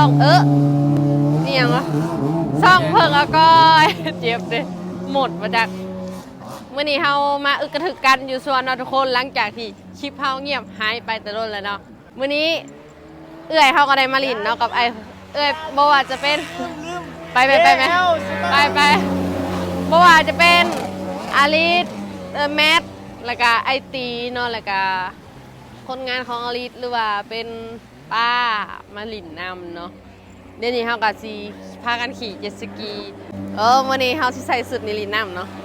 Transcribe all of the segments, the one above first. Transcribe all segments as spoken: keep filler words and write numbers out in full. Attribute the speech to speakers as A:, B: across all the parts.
A: องเออนี่ยังวะซ่องเพิ่งอะก้อยเจ็บเลยหมดมาจากเมื่อนี้เฮามาอึกกระถึกกันอยู่ส่วนเราทุกคนหลังจากที่คลิปเฮาเงียบหายไปแต่ต้นแล้วเนาะมื่อนี้เอื้อยเฮาก็ได้มาลินเนาะกับไอเอื้อยบ่ว่าจะเป็นไปไปไปไหมไปไปบ่ว่าจะเป็นอาลิสเออแมทแล้วก็ไอตีเนาะแล้วก็คนงานของอาลิสหรือว่าเป็นป้ามาลินนำเนาะเดี๋ยวนี้เฮาก็สิพากันขี่เจ็ตสกีเออมื่อนี้เฮาสิใส่สุดนิลินนำเนาะ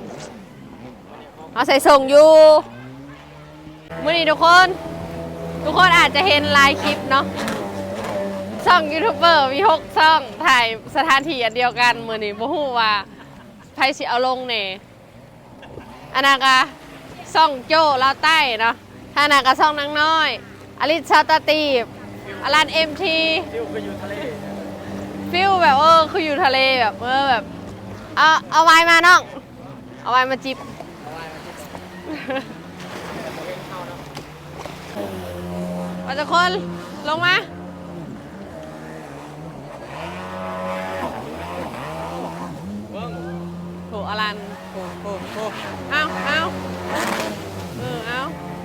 A: เอาใส่ส่งอยู่มื่อนี้ทุกคนทุกคนอาจจะเห็นไลน์คลิปเนาะช่องยูทูบเบอร์มีหกช่องถ่ายสถานที่อันเดียวกันมื่อนี้บ่ฮู้ว่าไผสิเอาลงแน่อันนั้นก็ช่องโจ้ลาวใต้เนาะถ้านั้นก็ช่องนางน้อยอลิซชาตาตีบอลันเอ็มทีฟิลคืออยู่ทะเลฟิลแบบเออคืออยู่ทะเลแบบเออแบบเอาเอาไว้มาน้องเอาไว้มาจิบมาทุกคนลงมาโถอลันโถโถโถเอาเอาเออเอา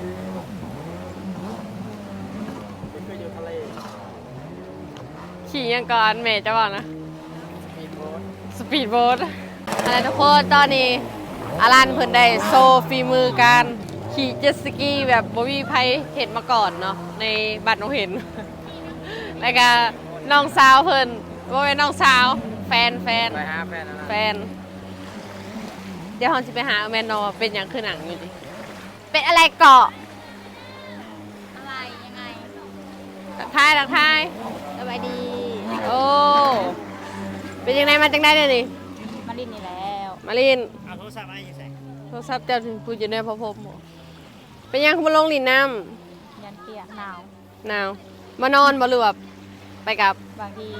A: ขี่ยังก่อนเมย์จะบอกนะสปีดโบ๊ทอะไรทุกคนตอนนี้อลันเพิ่นได้โซฟีมือการขี่เจ็ตสกีแบบบ่มีใครเห็นมาก่อนเนาะในบัตรน้องเห็นแล้วก็น้องสาวเพิ่นว่าเป็นน้องสาวแฟนแฟนไปหาแฟนแฟนเดี๋ยวเราจะไปหาแมนนอเป็นอย่างคือหนังอยู่ดิเป็นอะไรเกาะ
B: อะไรยังไง
A: ทักทายทักทาย
B: สบายดี
A: โอ้เป็นยังไงมาจังได้เลยดิ
B: มาลินนี่แล้ว
A: มาลิน
C: เอาโทรศัพท์อะไรอยู่ใส่
A: โทรศัพท์เจ้าถึงพูดอยู่ในพอพบเป็นยังคุณมาลงลินน้
B: ำยันเปียกหนาว
A: หนาวมานอนบ่หรือว่าไปกับบ
B: างที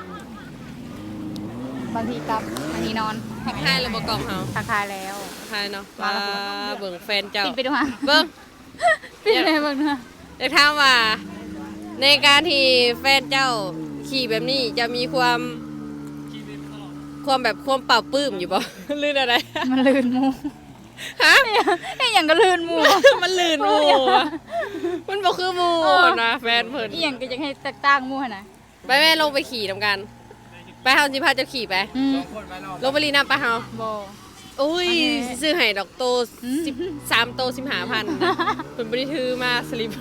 B: บางทีกลับบางทีนอน
A: ทักทายแล้วบ่กล่องเฮา
B: ทักทายแล้ว
A: ทักทายเนาะมาเบิ่งแฟนเจ้า
B: ปิดไปดูฮะ
A: เบิ่ง
B: ปิดไปเบิ่งเนาะ
A: อยากถามว่าในการที่แฟนเจ้าขี่แบบนี้จะมีความความแบบความเปล่าปลื้มอยู่ป่ะลื่นอะไร
B: มันลื่นมู
A: ฮะ
B: ไอ้อย่างก็ลื่นมู
A: มันลื่นมูมันบอกคือมูนะแฟนเพิ่น
B: ไอ้อย่างก็ยังให้แตกต่างมูนะ
A: ไปแม่ลงไปขี่ทำกันไปเฮาสิพาเจ้าขี่ไปลงไปรีน้ำไปเฮา
B: บ่
A: อุ้ยซื้อให้ดอกโตสิบสามโตสิบห้าพันเพิ่นบ่ได้ถือมาสลิป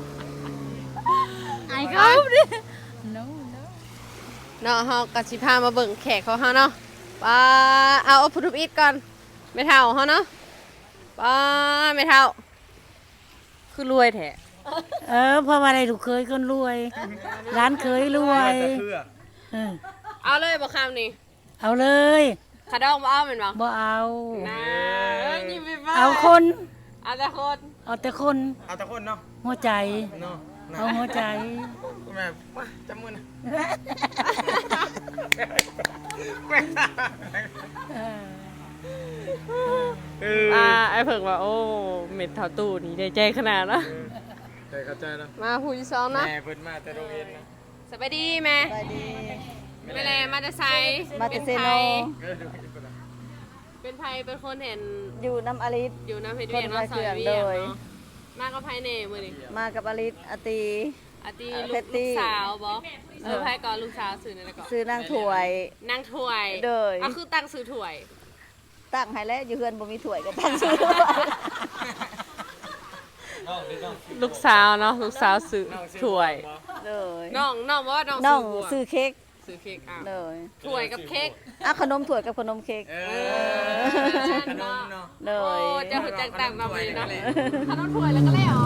B: ไอ้เขาดิ no no
A: เนาะเฮาก็สิพามาเบิ่งแขกของเฮาเนาะป้าเอาเอาพุทธอิฐก่อนไม่เท่าเฮาเนาะป้าไม่เท่าคือรวยแท้
D: เออเพราะว่าอะไรลูกเคยคนรวยร้านเคยรวยเออ
A: เอาเลยบ่คำนี่
D: เอาเลย
A: ขาดองบ่เอาแม่นบ่
D: บ่เอา
A: นะยิ้มไปบ่
D: เอาคน
A: เอาแต่คน
D: เอาแต่คน
C: เอาแต่คนเนาะ
D: หัวใจ
C: เนาะ
D: เอาหัวใจ
C: แม่มาจำมือนะ
A: อ่าไอ้เพิ่งว่าโอ้เม็ดเท่าตู้นี่ได้ใจขนาดเนาะ
C: ใจเข้าใจแล้ว
A: มาผู้ที่สองนะ
C: แม่เพิ่นมาแต่โรงเรียนนะ
A: สบายดีแม่
D: สบายดี
A: แม่แลมาแต่ไส
D: มาแต่เซโน
A: เป็นไผเป็นคนเห็น
D: อยู่น้ำอลิส
A: อยู่น้ำเพชรเวียนมาสอยเวียนเนาะมากับไผเน่มื้อนี้
D: มากับอลิสอตี
A: อตีลูกสาวบ่เออไผก่อนลูกสาวซื้อนั่นแหละก่อน
D: ซื้อนางถวย
A: นางถวย
D: เด้อ
A: อ่ะคือตั้งซื้อถวย
D: ตั้งให้แล้วอยู่เฮือนบ่มีถวยก็ตั้งซื้อ
A: ลูกสาวเนาะลูกสาวซื้อถวย
D: เลย
A: น้องน้องว่าน้อง
D: น้องซื้อเค้ก
A: ซื้อเค้กอ่ะ
D: เลย
A: ถวยกับเค้ก
D: อ่ะขนมถวยกับขนมเค้ก
C: เออขนมเนาะ
D: เลย
A: โอ้จะหุ่นจังต่างมาเลยเนาะขนมถวยแล้วก็แล้วเหรอ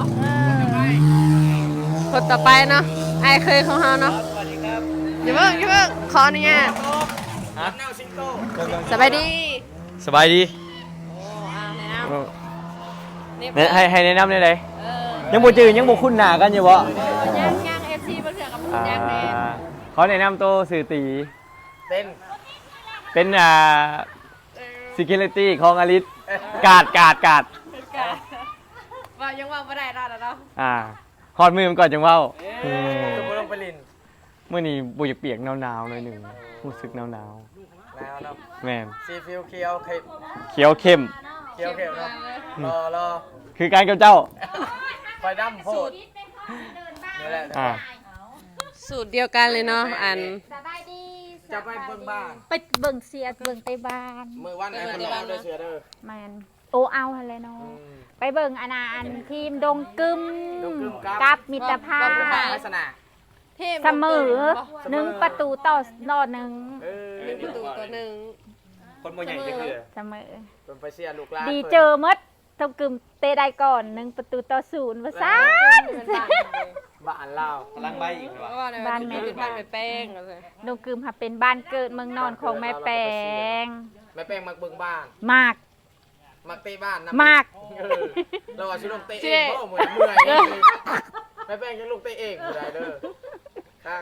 A: คนต่อไปเนาะไอเคยของเฮาเนาะ
C: สวัสดีครับ
A: อย่าเพิ่งอย่าเพิ่งขออนุญาต
C: ฮะซิงโก้
A: สบายดี
E: สบายดี
A: โอ้อาแนะน
E: ำให้ให้แนะนำได้เลยยังบ่จืดยังบ่คุ้นหน้ากันอยู่บ่
A: ย่างย่างเอฟซีบ่เถื่อกับย่างแน่
E: เขาแนะนำตัวสื่อตี
C: เป็น
E: เป็นอ่า security ของอลิสกาดกาดกาด
A: ว่ายังว่าบ่ได้รอดแล้วเนาะ
E: อ่าฮอดมือมันก่อนจังเว้า
C: คือบ่ลงไปลิน
E: เมื่อนี้บุยากเปียกหนาวๆหน่อยหนึ่งรู้สึกหนาว
C: แล้วเนาะ
E: ๆแม่น
C: ซีฟิวเคียวเข็ม
E: เขียวเข้ม
C: เคียวเข็มเนาะรอรอ
E: คือการกับเจ้า
C: ไฟดำโพดนี่แหละ
E: อ่า
A: สูตรเดียวกันเลยเนาะอัน
B: สบายดี
C: จะไปเบิ่งบ้าน
B: ไปเบิ่งเสียเบิ่งไตบ้าน
C: มือวันไหนคนเราได้เสือเด้อ
B: แมนโอเอาอะไรเนาะ
C: อืม
B: ไปเบิ่งอานาอันทีมดงกึม
C: ดงกึมครับ
B: กับมิตรภาพ
C: ลักษณะ
A: เทพ
B: เสมอหนึ่งประตูต่อนอหนึ่ง
C: เออ
A: หนึ่งประตูต่อหนึ่ง
C: คนบ่ใหญ่จะคือ
B: เสมอ
C: เป็นไปเสียลูกหลาน
B: ดีเจอมดทงกึมเตะได้ก่อนหนึ่งประตูต่อศูนย์ว่าซ่าน
C: บ้านเรากำลังใบอีกเหรอ
A: บ้านแม่บ้านแม่แป้งก็เลย
B: ดงกึมค่ะเป็นบ้านเกิดเมืองนอนของแม่แปง
C: แม่แป้งมักเบิ่งบ้าน
B: มาก
C: มักเตะบ้าน
B: มาก
C: เออเราอาชิลงเตะเองเพราะเหมือนเมื่อยแม่แป้งยังลูกเตะเองอยู่ได้เด้อครับ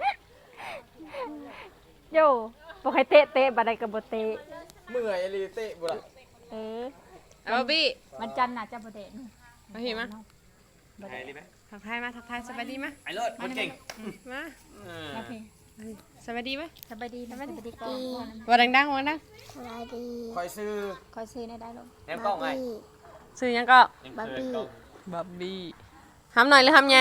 B: โย่บอกให้เตะเตะบัดใดกับบเตะ
C: เมื่อยอลีเตะบุระ
B: เออ
A: เอาบี้
B: มันจันทร์น่ะจะบเดน
A: มาเห็นมั้ย
C: ไทยรีไหม
A: ทักทายมาทักทายสบายดีมั้ย
C: ไอ้เลิศคนเก่ง
A: มา
B: โอเค
A: สบายดีมั้ย
B: สบายดีนะสบายดีก่อน
A: ว่าดังๆว่าดัง
C: คอยซื้อ
B: คอยซื้อในได้ลง
C: แอมกล้องไง
A: ซื้อยังก็
C: บับบี้
A: บับบี้ทำหน่อยหรือทำไง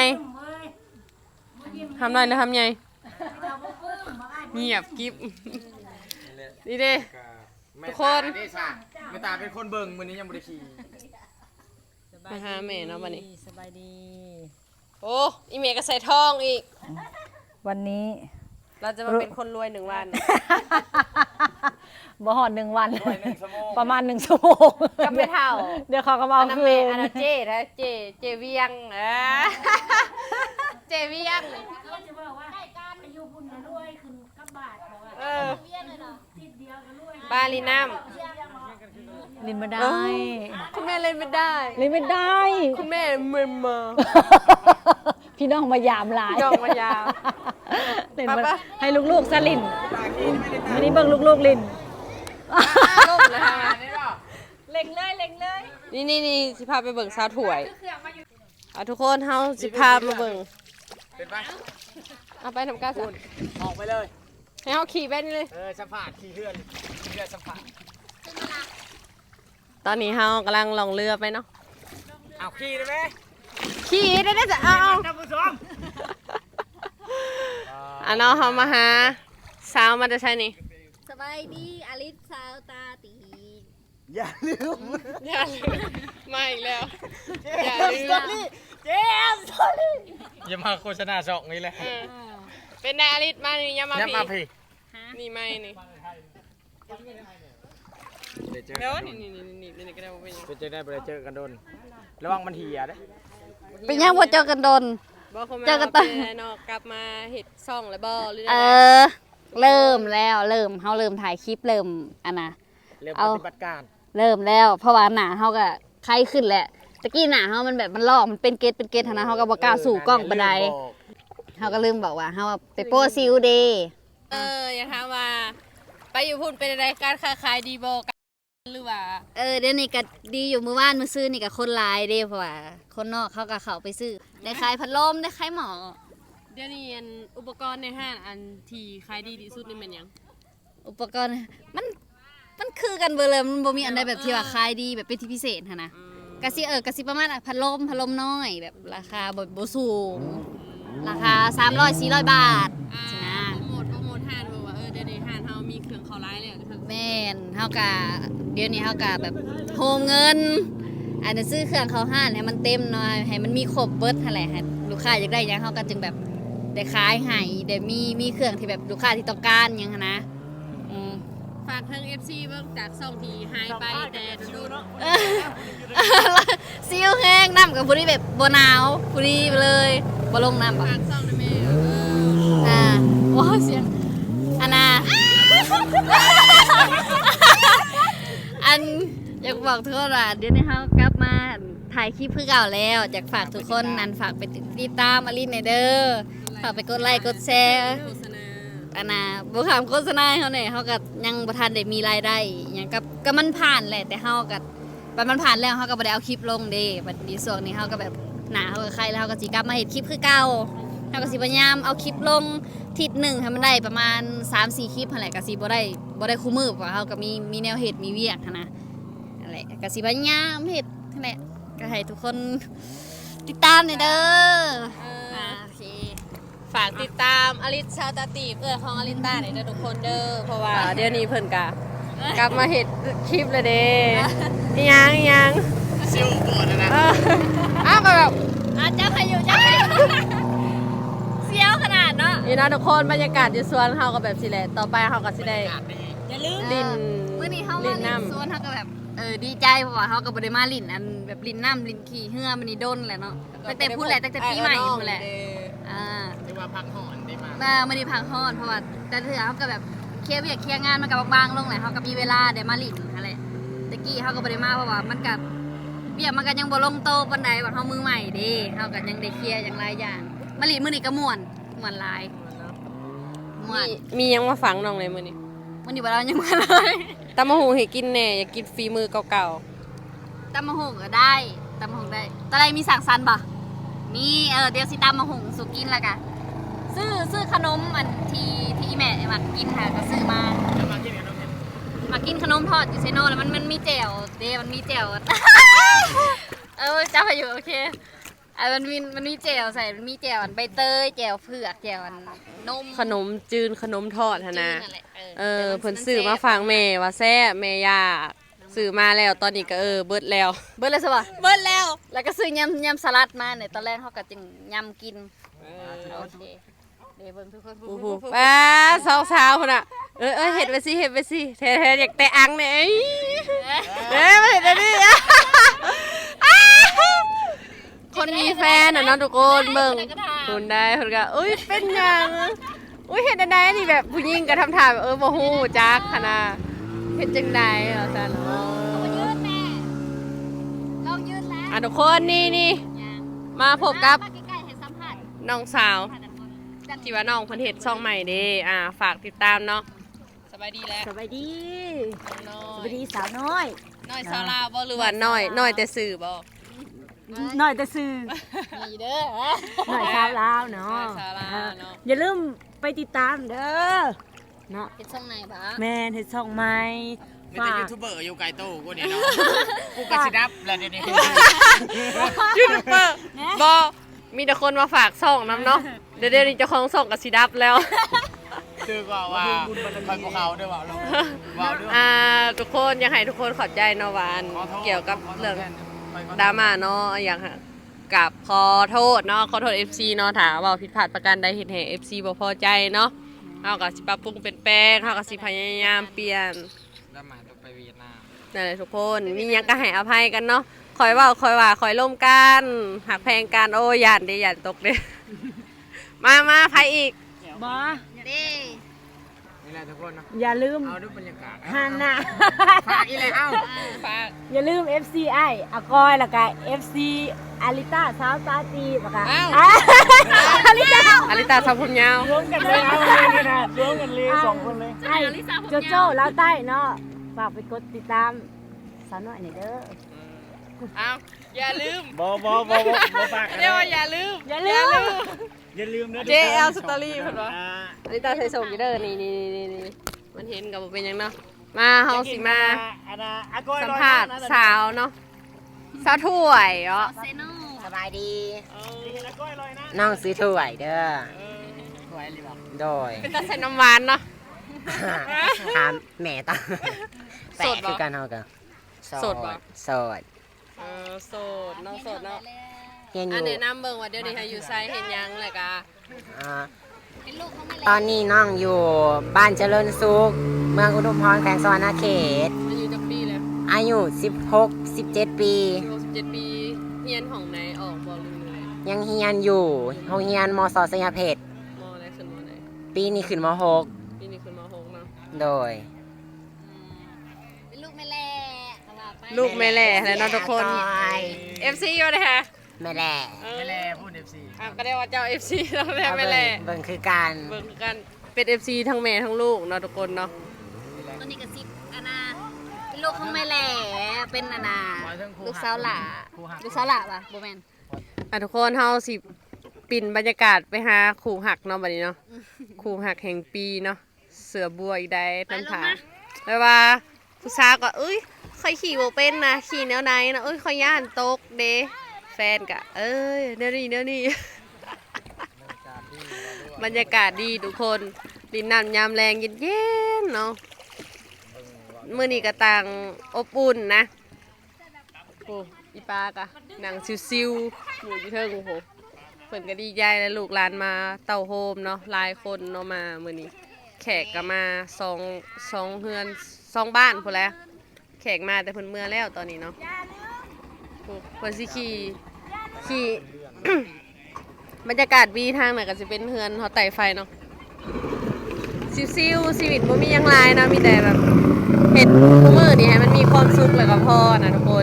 A: ทำหน่อยหรือทำไงเงียบกิ๊บนี่เด้ ทุกคน
C: นี่ค่ะแม่ตาเป็นคนเบิ่งมื้อนี้ยังบ่ได้ขี่
A: มาหาแม่เนาะวันนี้
F: สบายดี
A: โอ้อีเมก็ใส่ทองอีก
F: วันนี้
A: เราจะมาเป็นคนรวยหนึ่งวัน
F: บ่หอดหนึ่งวัน
C: ด้วยหนึ่งชั่วโมง
F: ประมาณหนึ่งชั่วโมง
A: ก็ไม่เท่า
F: เดี๋ยวเขาก็มา
A: อั
F: เอา
A: นนั้น
F: คื
A: แม่
F: น
A: อันนั้นเจนะเจเจเวียงเออเจเวียงเออบาลีน้
F: ลินไม่ได้
A: ำคุณแม่เล่นไม่ได้
F: ลินไม่ได้
A: คุณแม่เมินมา
F: พี่น้องมายามหลาย
A: พี่น้องมายาม
F: เล่น
A: ไป
F: มา
A: ปะ
F: ให้ลูกๆสลินอันนี้เบิ่งลูกๆลิน
A: ล่มเลยค่ะ
B: เล็งเลยเล็งเลย
A: นี่นี่นี่สิพาไปเบิ่งสาวถวยเอาทุกคนเฮาสิพามาเบิ่ง
C: เป็นปะ
A: เอาไปทำการสั
C: คุณออกไปเลย
A: ให้เฮาขี่ไปนี่เลย
C: เออสัมผัสขี่เพื่อนขี่เพื่อนสัมผัส
A: ตอนนี้เฮากำลังล่องเรือไปเนาะ
C: เอาขี่ได้ไหม
A: ขี่ได้ได้จะเอาเอา
C: ท่านผู้ชม
A: อันเนาะเฮามาหาสาวมาจะใช่นี่
B: สบายดีอลิสสาวตาตี
C: อย่าลืม
A: อย่าลืมมาอีกแล้ว อย่าลืม
C: เจมส์อย่ามาโฆษณาสองนี่แหละ
A: เออเป็นนายอลิสมานี่อยามา
C: อย่า
A: พี่
C: มาพี่
A: นี่ไม่นี่
C: เดี๋ยวเจอ
A: เดี๋ยวนี่นี่นี่นี่นี่ก็ได้บ่เป็นหยัง
C: จะเจอได้บ่ได้เจอกันโดนระวังมันเหี่ยเด้
F: เป็นยังบ่เจอกันโดน
A: บ่คง
F: เจอกันต
A: ต
F: อ
A: อน นเนาะกลับมาเฮ็ดซ่องแล้วบ่หรือ
F: เอ
A: ได้
F: อ เริ่มแล้วเริ่มเฮาเริ่มถ่ายคลิปเริ่มอันน่ะ
C: เริ่ม
F: เอา
C: ปฏิบัติการ
F: เริ่มแล้วเพราะว่าหนาเฮาก็ไข้ขึ้นแหละตะกี้หนาเฮามันแบบมันลอกมันเป็นเกตเป็นเกตหั้นนะเฮาก็บ่กล้าสู่กล้องปานใดเฮาก็ลืมบอกว่าเฮาไปโป้ซิลเดย์
A: เอออย่าถามว่า ไปอยู่พุ่นเป็นอะไรการค้าขายดีบ่กันหรือว่า
F: เออเดี๋ยวนี้ก็ดีอยู่มื้อวานมื้อซื้อนี่ก็คนหลายเด้เพราะว่าคนนอกเขาก็เข้าไปซื้อได้ขายพัดลมได้ขายหมอ
A: เดี๋ยวนี้อันอุปกรณ์ในห้างอันที่ขายดีที่สุดนี่มันหยัง
F: อุปกรณ์มันมันคือกันเบิดเลยมันบ่มีอันใดแบบที่ว่าขายดีแบบเป็นที่พิเศษหั้นนะก็สิเออก็สิประมาณอ่ะพัดลมพัดลมน้อยแบบราคาบ่บ่สูงราคาสามร้อย สี่ร้อยบาท
A: อ่า
F: สินะ
A: โปรโมทโปรโมทห้างบอกว่าเออเดี๋ยวนี้ห้างเฮามีเครื่องเข้าร้ายแล้วเพิ่น
F: แม่นเฮากะเดี๋ยวนี้เฮากะแบบโฮมเงินอาจจะซื้อเครื่องเขาห้านให้มันเต็มหน่อยให้มันมีครบเบิดหั่นแหละให้ลูกค้าอยากได้หยังเฮาก็จึงแบบได้ขายให้ได้มีมีเครื่องที่แบบลูกค้าที่ต้องการหยังหั้นนะอืม
A: ฝากทาง เอฟ ซี เบิ่งจากซ่องที่หายไปแต่โดน
F: ซิวแห้งน้ำกับผู้ที่แบบบ่หนาวผู้ที่ไปเลยบ่ลงน้ำบ่
A: ฝากซ่องได้แม่เออ
F: อ่าว้าวเสียงอันน่ะ อันอยากบอกทุกคนว่าเดี๋ยวนี้เขากลับมาถ่ายคลิปเพื่อเก่าแล้วอยากฝากทุกคนนั้นฝากไปติดตามอลินในเด้อฝากไปกดไลค์กดแชร์
A: โฆษณา
F: อันน่ะบุคำโฆษณาให้เขาเนี่ยเขาก็ยังประทานได้มีรายได้อย่างกับก็มันผ่านแหละแต่เขาก็บัดมันผ่านแล้วเขาก็บ่ได้เอาคลิปลงเด้บัดนี้ส่วนนี้เขาก็แบบหนาเขาก็ใครแล้วเขาก็สิกลับมาเฮ็ดคลิปคือเก่าเขาก็สิพยายามเอาคลิปลงทิศหนึ่งให้มันได้ประมาณ สามสี่ คลิปหั่นแหละก็สิบ่ได้บ่ได้คู่มือเพราะว่าเฮาก็มีมีแนวเฮ็ดมีเวียกหันนะนั่นแหละก็สิพยายามเฮ็ดนั่นแหละก็ให้ทุกคนติดตามหน่อยเด้ออ่าโอเค
A: ฝากติดตามอลิสชาตาตีเพื่อนของอลิต้าหน่อยเด้อทุกคนเด้อเพราะว่าเดี๋ยวนี้เพิ่นกะกลับมาเห็ดคลิปเลยเด้อีหยังอีหยัง
C: ซิลก่อนนะนะ
A: เอออ้าวก็แบบ
F: อาจจะพายุจะเสียวขนาดเนาะ
A: นี่นะทุกคนบรรยากาศอยู่สวนเฮาก็แบบสิแหละต่อไปเฮาก็สิได้
F: อย่าลืม
A: ลิ้น
F: เมื่อนี้เฮา
A: ลิ้
F: มาน ลิ้น
A: น้ำ
F: สวนเฮาก็แบบเออดีใจเพราะว่าเฮาก็บ่ได้มาลิ้นอันแบบลิ้นน้ำลิ้นขี้เหือมันนี่โดนแหละเนาะตั้งแต่พูดแหละตั้งแต่ปีใหม่พูดแหละอ่า
C: ที่ว่าพักหอนได้มา
F: มาไม่ได้พักฮอดเพราะว่าแต่เถื่อเขาก็แบบเคลียร์เวียกเคลียร์งานมันกับบางๆลงแหละเขาก็มีเวลาได้มาลิ้นอะไรตะกี้เขาก็บ่ได้มาเพราะว่ามันกับเวียกมันก็ยังบ่ลงโตปานใดว่าเฮามือใหม่เด้เขาก็ยังได้เคลียร์อย่างหลายอย่างมาลิ้นมื้อนี้ก็ม่วนม่วนหลายม่วน
A: มีมีหยังมาฝังน้องเลยมื้อนี้
F: มื้อนี้บ่เรายังมาเลย
A: ตำมะหูให้กินแหน่อยากกินฝีมือเก่า
F: ตำมะฮงก็ได้ตำมะฮงได้ตอนใดมีสั่งสรรค์บ่มีเออเดี๋ยวสิตำมะฮงสุกินและกันซื้อซื้อขนมอันที่ที่แม่มากินค่ะก็ซื้อมา
C: แล้วมาที่ไหนน้องเพชร
F: มากินขนมทอดอยู่เซโนแล้วมันมันมีแจ่วเดมันมีแจ่ว เออเจ้าอยู่โอเคอ่ะมันมีมันมีแจ่วใส่มันมีแจ่วอันใบเตยแจ่วเผือกแจ่วอันนม
A: ๆขนมจืนขนมทอดหั่นนะ
F: จืดแหล
A: เออเพิ่นซื้อมาฝากแม่ว่าแซ่บแม่ย่าซื้อมาแล้วตอนนี้ก็เออเบิดแล้ว
F: เบิร์ดเลยสิวะ
A: เบิดแล้ว
F: แล้วก็ซื้อยำยำสลัดมาเนี่ยตอนแรกเขาก็จึงยำกินโอเคเดี๋ยวเบิ่งทุกคน
A: โอ้โหป้าสาวๆพุ่นน่ะเออเออเฮ็ดไปสิเฮ็ดไปสิแท้ๆอยากแต่อังเนี่ยเอ้ยเด้มาเฮ็ดได้ดิคนมีแฟนน่ะเนาะทุกคนเบิ่งคุณได้เพิ่นก็เอ้ยเป็นหยังอุ้ยเฮ็ดได้ไดนี่แบบผู้หญิงก็ทำท่าแบบเออบ่ฮู้จักหั่นน่ะเฮ็ดจังได๋เหรอซั่นเนาะ
F: ยืดแม่ลองยืดแล้ว
A: อ่ะทุกคนนี่นี่มาพบกับ
F: มาใกล้ๆให้สัมผัส
A: น้องสาวที่ว่าน้องเพิ่นเฮ็ดช่องใหม่เด้อ่าฝากติดตามเนาะสบายดีแล้ว
D: สบายดี
A: น้อ
D: ส
A: ย
D: บายดีสาวน้อย
A: น้อยสาวลาวบ่หรือว่าน้อยน้อยแต่สื่อบ่
D: น้อยแต่ซื้อ
A: มีเด้อ
D: น้อยสาวลาวเนาะ
A: น้อยสาวลาวเนาะ
D: อย่าลืมไปติดตามเด้อเนาะ
F: เฮ็ดช่องไหนบ้า
D: แม่นเฮ็ดช่องใหม่
C: มีแต่
D: ฝา
C: ยู
D: ก
C: ทูบเบอร์อยู่ไกลโต้กูเนี่ยเนาะกูกระชิดับแล้วเดี๋ยวนี้
A: ยูทูบเบอร์บ่มีแต่คนมาฝากช่องนํเนาะเดี๋ยวเดี๋ยวนี้เจ้าของช่องก็สิดับแล้ว
C: คือว่าว่าคอยพวกเขาด้วยว่าลงว่าด้วย
A: อ่าทุกคนอยากให้ทุกคนเข้าใจเนาะว่าอันเกี่ยวกับเรื่องดราม่าเนาะอย่างกับขอโทษเนาะขอโทษ เอฟ ซี เนาะถ้าเว่าผิดพลาดประการใดเฮ็ดให้ เอฟ ซี บ่พอใจเนาะเฮาก็สิปรับปรุงเปลี่ยนแปลงเฮาก็สิพยายามเปลี่ยน
C: แล้วมาต้องไปเวียดนาม
A: นั่นแหละทุกคนมีหยังก็ให้อภัยกันเนาะคอยเว้าคอยว่าคอยร่วมกันหักแพงกันโอ้ย่านเด้ย่านตกเด้ มามาไผอีก
D: บ่
F: เด้
C: นี่แหละทุกคนเนาะ
D: อย่าลืม
C: เอาด้วยบรรยากาศ
D: ฮานะ
C: ฝากอีเลยเอ้า
A: ฝาก
D: อย่าลืม เอฟ ซี ไออากอยแล้วก็ เอฟ ซี อาริต้าสาวตาจีบค่ะ
A: อ้าว
D: อาริต้า
A: อลิตาสาวผมยาว
D: รวมกันเลยเอาเลยนะรวมกันเลยสองคนเลยไอ้โจโจ้ลาวใต้เนาะฝากไปกดติดตามสาวน้อยหน่อยเด้อ
A: อ้าวอย่าลืม
E: บอบอบอบอฝาก
A: เรียกว่าอย่าลืม
D: อย่าลืม
E: อย่าลืมนะ
A: เจ แอล Story เพิ่นว่า อลิตาใส่ส่งอยู่เด้อนี่นี่นี่นี่มันเห็นกับบ่เป็นหยังเนาะมาเฮาสิมาสัมภาษณ์สาวเนาะสาวถ้วยเนาะ
F: เซโน่
G: สบายดี น้องซื้อถ้วยเด้อ
C: สวยเลยบอก
G: โดย
A: เป็นตาใส่น้ำหวานเนาะ
G: ถามแม่ตั้ง
A: โสดบ่
G: คือการเฮากัน
A: โสดบ่
G: โสด
A: เออโสดน้องโสดเนาะ
G: เรียนอ
A: อัน
G: ยู่
A: แนะนำเบิ่งว่าเดี๋ยวนี้ให้อยู่ไซเฮ็ดหยังแหละกะ
G: อ่า
F: เป็นลูกเขาไม่
G: ตอนนี้น้องอยู่บ้านเจริญสุข เมืองอุดมพรแขวงสวรรณเขต
A: อายุจักปีแล้ว
G: อายุสิบหก สิบเจ็ด ปี
A: หกสิบเจ็ดปีเรียนของไหนออกบ่ลืมเลย
G: ยังเฮียนอยู่โรงเรียนมสสยามเพชร
A: มออะไรขึ้นมอไหน
G: ปีนี้ขึ้นมหก
A: ปีนี้ขึ้นมหกเนาะ
G: โดย
F: เป็นลูกไม่แล่เขาว่าไป
A: ลูกแม่แหล่แล้วเนาะทุกคน เอฟ ซี อยู่เด้อค่ะ
G: แม่แหล่
A: เออ
C: ไม่แล่พูดเอฟซี
A: อ่ะก็ได้ว่าเจ้า เอฟ ซี แล้วแม่
G: เอา
A: แม่
G: เบิ่
A: แหล่
G: งเบิ่งคือการ
A: เบิ่งคือกันเป็น เอฟ ซี ทั้งแม่ทั้งลูกเนาะทุกคนเนาะ
F: ตัวนี้ก็สิบอานาเป็นลูกของไม่แล่เป็นอานาลูกสาวหล่าลูกสาวหล่าป่ะโบแมน
A: อ่ะทุกคนเฮาสิปิ่นบรรยากาศไปหาคู่หักเนาะบัดนี้เนาะคู่หักแห่งปีเนาะเสือบัวอีกได้น้ำผาแปลว่าผู้สาวก็เอ้ยค่อยขี่โบเป็นนะขี่แนวไหนนะเอ้ยค่อยย่านตกเด้แฟนกะเอ้ยเดี๋ยวนี้เดี๋ยวนี้ บรรยากาศดีทุกคนดินน้ำยามแรงเย็นๆเนาะมื้อนี้ก็ต่างอบอุ่นนะโอ้อีปากะหนังซิวๆหมูอยู่เทิงโอ้โหเพิ่นก็ดีใจแล้วลูกหลานมาเต้าโฮมเนาะหลายคนเนาะมามื้อนี้แขกก็มาสองสองเฮือนสองบ้านพุ่นแหล้วแขกมาแต่เพิ่นเมื่อแล้วตอนนี้เนาะโอ้เพิ่นสิขี่ขี่ บรรยากาศวีทางน่ะก็จะเป็นเฮือนเขาไต่ไฟเนาะซิวๆชีวิตบ่มีหยังหลายเนาะมีแต่แบบเฮ็ดทุกมื้อนี่ให้มันมีความสุขแล้วก็พอนะทุกคน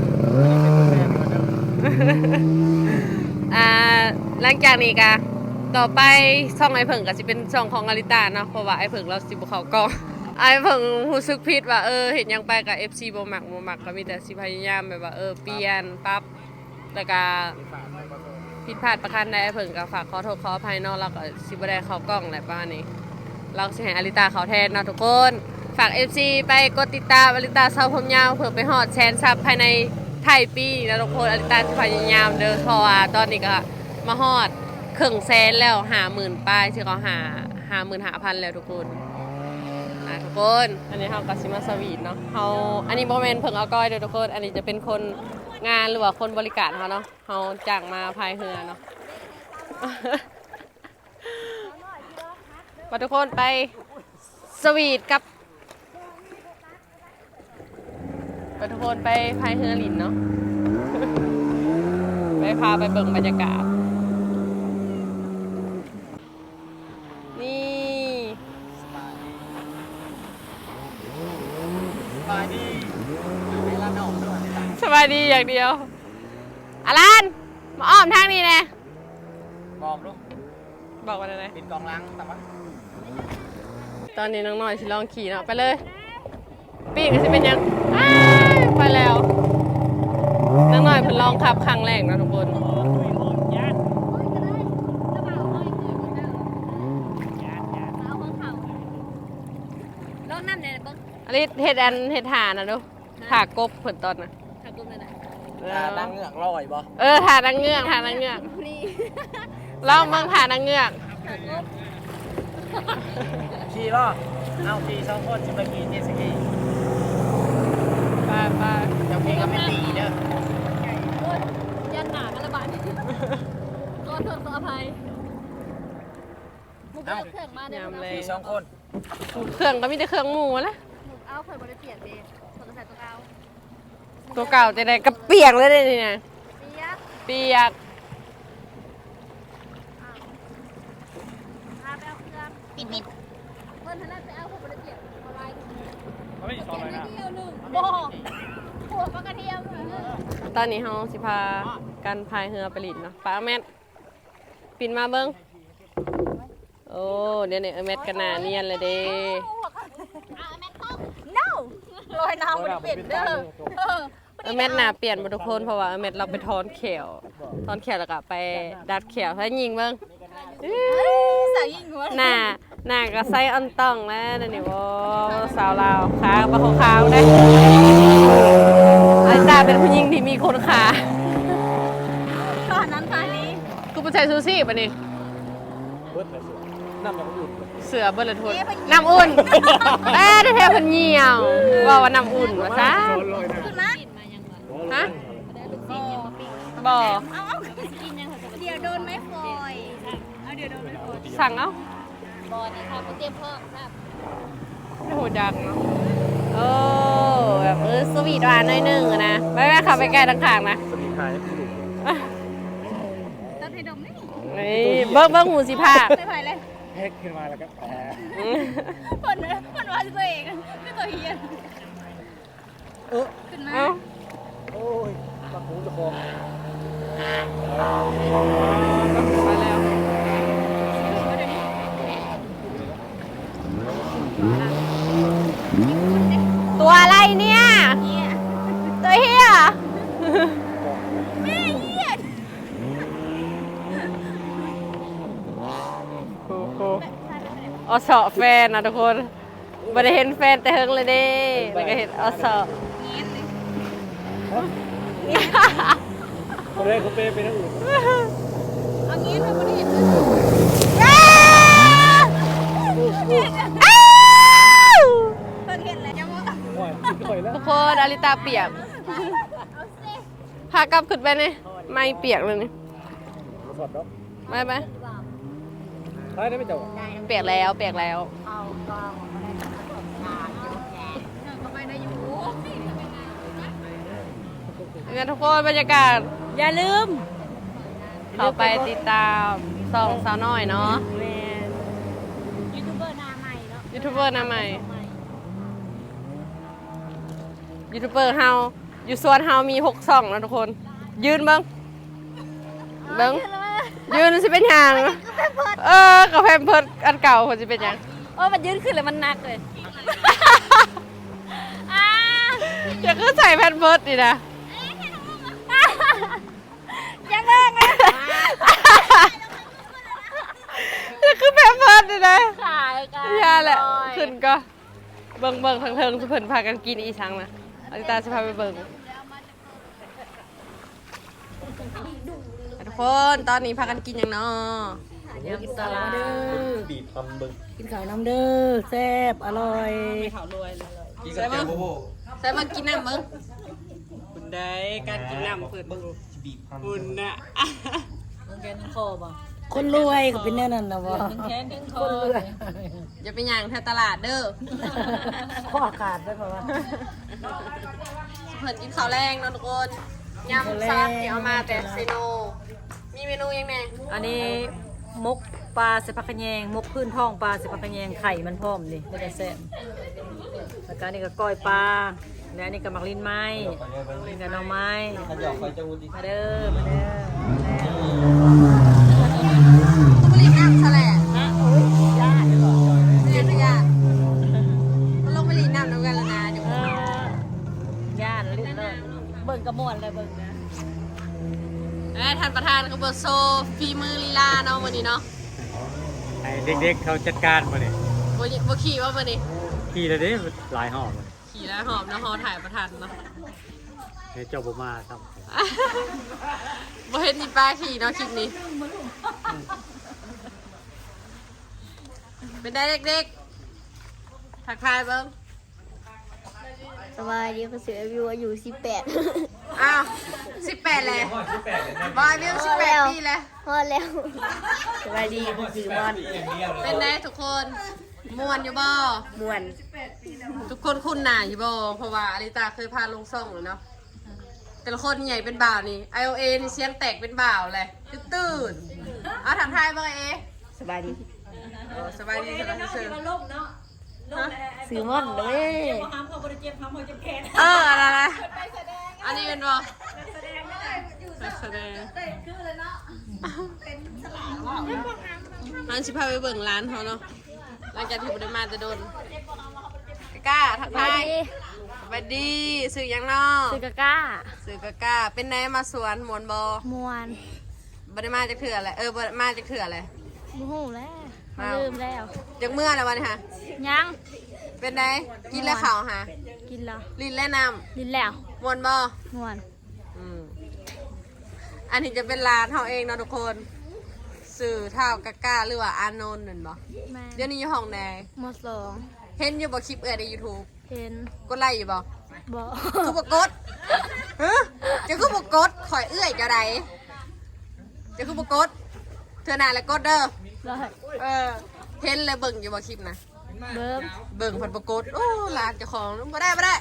A: อ่าหลังจากนี้ก็ต่อไปช่องไอ้เผิงก็สิเป็นช่องของอาริตาเนาะเพราะว่าไอ้เผิงเราสิบ่เข้ากล้องไอ้เผิงรู้สึกผิดว่าเออเฮ็ดหยังไปกับ เอฟ ซี บ่มักบ่มักก็มีแต่สิพยายามแบบว่าเออเปลี่ยนปรับแล้วก็ผิดพลาดประการใดไอ้เผิงก็ฝากขอโทษขออภัยเนาะแล้วก็สิบ่ได้เข้ากล้องแหละประมาณนี้เราสิให้อาริตาเข้าแทนเนาะทุกคนฝาก เอฟ ซี ไปกดติดตามอาริตาเซาผมยาวเพื่อไปฮอดแสนซับภายในไทยปีนะทุกคนอาริตาสิพยายามเด้อเพราะว่าตอนนี้ก็มาฮอดครึ่งแสนแล้วหาหมื่นป้ายที่เขาหาหาหมื่นหาพันแล้วทุกคนนะทุกคนอันนี้เขากัสิมาสวีทเนาะเขาอันนี้โมเมนต์เพิ่งเอาก้อยเด้อทุกคนอันนี้จะเป็นคนงานหรือว่าคนบริการเขาเนาะเขาจ้างมาพายเรือเนาะ มาทุกคนไปสวีทกับไปทุกคนไปพายเรือลินเนาะ ไปพาไปเบิ่งบรรยากาศนี่สบายดีสบายดีอย่างเดียวอารันมาอ้อมทางนี้แน่
C: บอกลูก
A: บอกว่าอะไร
C: ปิดกองล้างแต่ว่า
A: ตอนนี้น้องน้อยสิลองขี่เนาะไปเลยปีกก็จะเป็นยังอ้ายไปแล้วน้องน้อยเพิ่นลองขับครั้งแรกนะทุกคน
F: ลองน้ำเนี่ยเบิ่ง
A: อันนี้เฮ็ดอันเฮ็ดหานะดูถากบเพิ่นตอนน่ะ
F: ถ้ากุ้งนั่นน่ะ
C: ดังเหงือกลอยบ่
A: เออถาดังเงือกถาดังเงือก
F: นี่
A: ลองเบิ่งถาดังเงือก
C: ขี่ล้อเอาขี่สองคนสิไปขี่เจตสกี
A: ไปไป
C: เดี๋ยวพี่ก็ไม่ตีเด้อ
F: โอ้ยยันหนากันละบาดขอโทษขออภัยมุกเอาเครื่องมาเดี๋ยวย
A: ามเลย
C: ขี่สองคน
A: เครื่องก็มีแต่เครื่องหมูแหละ
F: มุกเอาเคยบ่ได้เปลี่ยนเด้คนก็ใส่ตัวเอา
A: ตัวเก่าจะได้กระเปียกเลยนี่นะ
F: เปียก
A: เปียก
F: พาไปเอาเครื่องปิดปิดเพิ่นท่านนั้นไปเอาคนบ่ได้เปลี่ยนอะไร
C: เขาไม่สอนเลยนะ
F: เดียวหนึงบ่หัวปลากระเทียม
A: ตอนนี้เฮาสิพากันพายเรือไปลินเนาะป้าแม่ปินมาเบิ่งโอ้เดี๋ยวนี้เออแมทกันหนาเนียนเลยเด้
F: no ลอยน้ำบ่ได้เปลี่ยนเด้อเออ
A: เออแมทหนาเปลี่ยนบ่ทุกคนเพราะว่าเออแมทเราไปถอนแขวถอนแขวแล้วก็ไปดัดแขวให้ยิงเบิ่ง
F: ใส่ยิงหัว
A: หน้าหน้าก็ใส่อันต้องแล้วนั่นนี่บ่สาวลาวขาบ่ขาวๆเด้อาจารย์เป็นผู้หญิงที่มีคนขา
F: ตอนนั้นตอนนี้
A: กูบ่ใส่ซูซี่ป่ะนี่
C: เบิดเลยน้ำมันอุ่น
A: เสือเบิ่นละทุนน้ำอุ่นเอ้ยแท้ๆเพิ่นเหี่ยวว่าว่าน้ำอุ่นว่าซะ
C: ลอยนะ
F: ขึ้นมา
A: ฮะบ่
F: เอาเอาเดี๋ยวโดนไม้ฟอยเอาเดี๋ยวโดนไม้ฟอย
A: สั่งเอา
F: บอลนี่ครับเตรียมพร้อมครับ
A: โอ้โหดังเนาะโอ้แบบเออสวีทหวานหน่อยหนึงอะนะไปแม่ขับไปใกล้ทางข้างนะ
C: สมีขายผู้หลุด
F: ตัดให้ดมนี่
A: นี่เบิ้งเบิ้งหูสิภาพ
F: ไม่ไหวเลย
C: เฮ็ดขึ้นมาแล้วก็แผล
F: คนคนว่าตัวเองไม่ตัวเฮียน
C: เออ
F: ขึ้นมา
A: เอ้า
C: โอ้ยปากหูจะคอ
A: มาแล้วตัวอะไรเนี่ยตัวเฮีย
F: แม่เฮีย
A: อสอแฟนนะทุกคนบ่ได้เห็นแฟนแต่เฮิงเลยเด้แล้วก็เห็นอสอ
E: คนแรกเขาเปย์ไปทั้งอื่น
F: เอางี้เราไม่ได้เห็นเลย
A: ทุกคนอาริตาเปียกพากลับขึ้นไปนี่ไม่เปียกเลยนี่
E: สดเนาะ
A: ไปไป
E: ใช่ได้ไหมเจ้า
A: เปียกแล้วเปียกแล้ว
F: ก็ไม่ได้อยู่
A: งั้นทุกคนบรรยากาศ
D: อย่าลืม
A: เข้าไปติดตามซองสาวน้อยเนาะ
D: แมนยูทูบเบอร์หน้าใหม่เนาะ
A: ยูทูบเบอร์หน้าใหม่ยูทูบเบอร์เฮาอยู่ส่วนเฮามีหกช่องนะทุกคน ยืนเบิ้งเบิ้งยืนสิเป็นหยังเออกับแพมเพิร์ดอันเก่าคนสิเป็นหยัง
F: โอ้ยมันยืนขึ้นเลยมันหนักเลย
A: อย่าคือใส่แพมเพิร์ดดินะ
F: ยังเลิกเลย
A: อย่าคือแพมเพิร์ดดินะ
F: ขายกัน
A: อย่าแหละขึ้นก็เบิ่งเบิ่งทางเทิงสุเพิ่นพากันกินอีสังนะอลิตาจะพาไปเบิ่งทุกคนตอนนี้พากันกินอย่างเนาะ
D: ยำสลัด
E: บีบทำเบิ้ง
D: กินข้าวน้ำเด้อแซ่บอร่อย
C: กินกับแจ่วโบโบ
A: ใส่มากินน้ำมึง
G: คุณได้การกินน้ำเพิ่น
C: บีบ
G: คุณน่ะ
D: คนรวยก็เป็นแน่นั่นนะวะคนรวย
A: อย่าไปย่างแถวตลาดเด้อ
D: ข้อขาดได้ป่าวะ
A: เพิ่นกินข้าวแรงเนาะทุกคนยำซับที่เอามาแต่เซโนมีเมนูยังไง
H: อันนี้มกปลาเสพักกะแยงมกพื้นท้องปลาเสพักกะแยงไข่มันพร้อมนี่ไม่ได้แซ่บแล้วก็อันนี่ก็ก้อยปลาและอันนี้ก็มักลิ้นไม้ลิ้นกับหน่อไม้มาเด้อมาเด้อ
A: บุรีน้ำแฉลงฮะโอ้ยญาติเหรอเรียกญาติมันลงไปรีน้ำน้ำกันแล้วนะเดี๋ยว
H: เออย่านลิ้นเลยเบิ่งกระมวลเลยเบิ่งนะ
A: เอ้ยท่านประธานเขาเบิร์โซฟีมือลีลาเนาะวันนี้เนาะ
E: ไอ้เด็กๆเขาจัดการมาเนี่ย
A: บ่ยบ่ขี่ว่าวันนี้
E: ขี่เลยเด้หลายหอบเลย
A: ขี่แล้วหอมนะฮอถ่ายประธานเนาะ
E: ให้เจ้าบ่มาครับ
A: บ่เห็นมีป้าขี่เนาะคลิปนี้ เป็นได้เด็กๆทักทายเบิ้ง
F: สบายดีภาษาวิวอายุสิบแปด
A: อ้าวสิบแปดเลยบอยวิวสิบแปดปีเลย
F: พอแล้ว
H: สบายดีสื่อมอน
A: เป็นไงทุกคนม่วนอยู่บ่
H: มวน
A: ทุกคนคุ้นหน้าอยู่บ่เพราะว่าอลิตาเคยพาลงซ่องเลยเนาะแต่ละคนใหญ่เป็นบ่าวนี่ ไอ โอ เอ นี่เสียงแตกเป็นบ่าวเลยตื่นๆเอาถามทายเบิ่งเอ
H: สบายดี
A: โอ้สบายดีสบายดีเชิญ
H: สื่อมอนเลย
A: เอออะไรนะอันนี้เป็นบ่นักแสดงมันสิพาไปเบิ่งร้านเขาเนาะหลังจากที่บ่ได้มาจะโดนกล้าทักทายสวัสดีสื่อหยังเนาะ
F: ซื้อกะก้า
A: สื่อกะกล้าเป็นไงมาสวนมวนบ่
F: มวน
A: บ่ได้มาจากเถื่ออะไรเออบ่ได้มาจากเถื่ออะไร
F: มูหูแล้ว
A: อ้าว
F: ลืมแล้ว
A: จากเมื่อแล้ววันนี้ฮะ
F: ยัง
A: เป็นไงกินแล้วข้าวฮะ
F: กินแล้ว
A: ลิ้นและน้
F: ลินแล้ว
A: ำมวนบ่
F: มวน
A: อืมอันนี้จะเป็นร้านเขาเองเนาะทุกคน สื่อเท่ากะกล้าหรือว่าอานนท์นั่นบ่
F: แม่
A: เดี๋ยวนี้อยู่ห้องแดง
F: มสอง
A: เห็นอยู่บ่คลิปเอ่ยใน YouTube
F: เห็น
A: กดไลค์อยู่บ่
F: บอ
A: คือบ่กดฮะจะคือบ่กดข่อยเอื้อยเจ้าใดจะคือบ่กดเธอหน้าแล้วกดเด้อ
F: ได้
A: เออเห็นเลยเบิ่งอยู่บ่คลิปนะ
F: เบิ้ม
A: เบิ่งเพิ่นบ่กดโอ้ร้านเจ้าของบ่ได้บ่ได้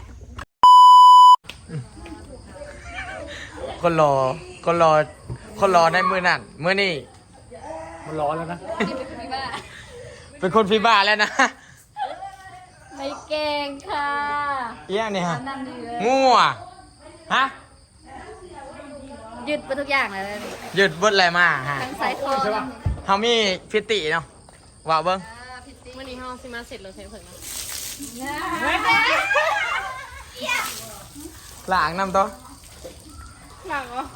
C: คนรอคนรอคนรอในมือนั่นมือนี่
E: มันร้อนแล้วนะ
C: เป็นคนฟีบ้าแล้วนะ
F: ไม่เก่งค่ะ
C: เอี้ยนี่ฮะ
F: นั่นดีเลย
C: งัวฮะ
F: หยุดไปทุกอย่างเลย
C: หยุดเบิดอะไรมาฮะ
F: ทั้งสายคอทั้ง
C: เฮามีฟิติเนาะว่าเบิ่ง
A: มื้อนี้เฮาสิมาเสร็จแล้วเพิ่นเพิ่นนะ
C: ล้างน้ำตัว
A: หนักเหรอ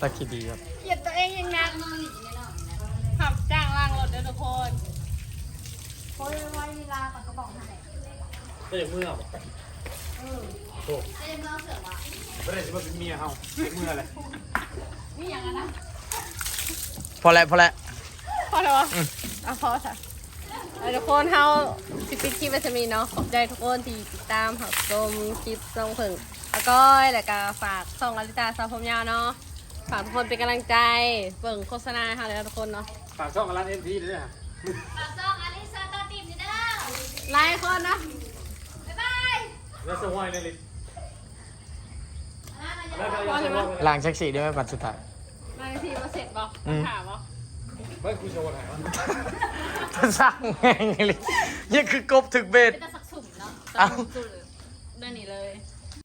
C: ตะคิดดีครับ
A: เหยียดตัวเองยังนักขับจ้างล่างรถเด้อทุกคน
C: ก็อย่างเมื่อบอกเออโอ้ไม่ได้จะมาเป็นเมียเฮาเมื่ออะไรนี่อย่างนั้นนะพอแล้วพอแล้ว
A: พอแล้ววะอ่ะพอค่ะเอาทุกคนเฮาสิปิดคลิปไปจะมีเนาะขอบใจทุกคนที่ติดตามหักชมคลิปทรงผึ่งแล้วก็แล้วก็ฝากส่องอลิตาสาวผมยาวเนาะฝากทุกคนเป็นกำลังใจเบิ่งโฆษณาให้เฮาเลยนะทุกคนเนาะ
C: ฝากช่องกับร้านเอ็มพีด้วยนะ
A: ไลค์คนนะ
C: แล้วสวายในลิ
A: พอเลยมั้ย
C: ล้างเช็คสีด้วยไหมบัตรสุดท้าย
A: ไลค์ทีมาเสร็จบ่ถามบ่
C: ไม่คุยโชว์ไหนวะจะสร้างไงลินี่คือกบถึกเบ็ด
F: เป็นตะสักสุ่มเนาะ
C: เอ้า
F: สุดเลยได้นี่เลย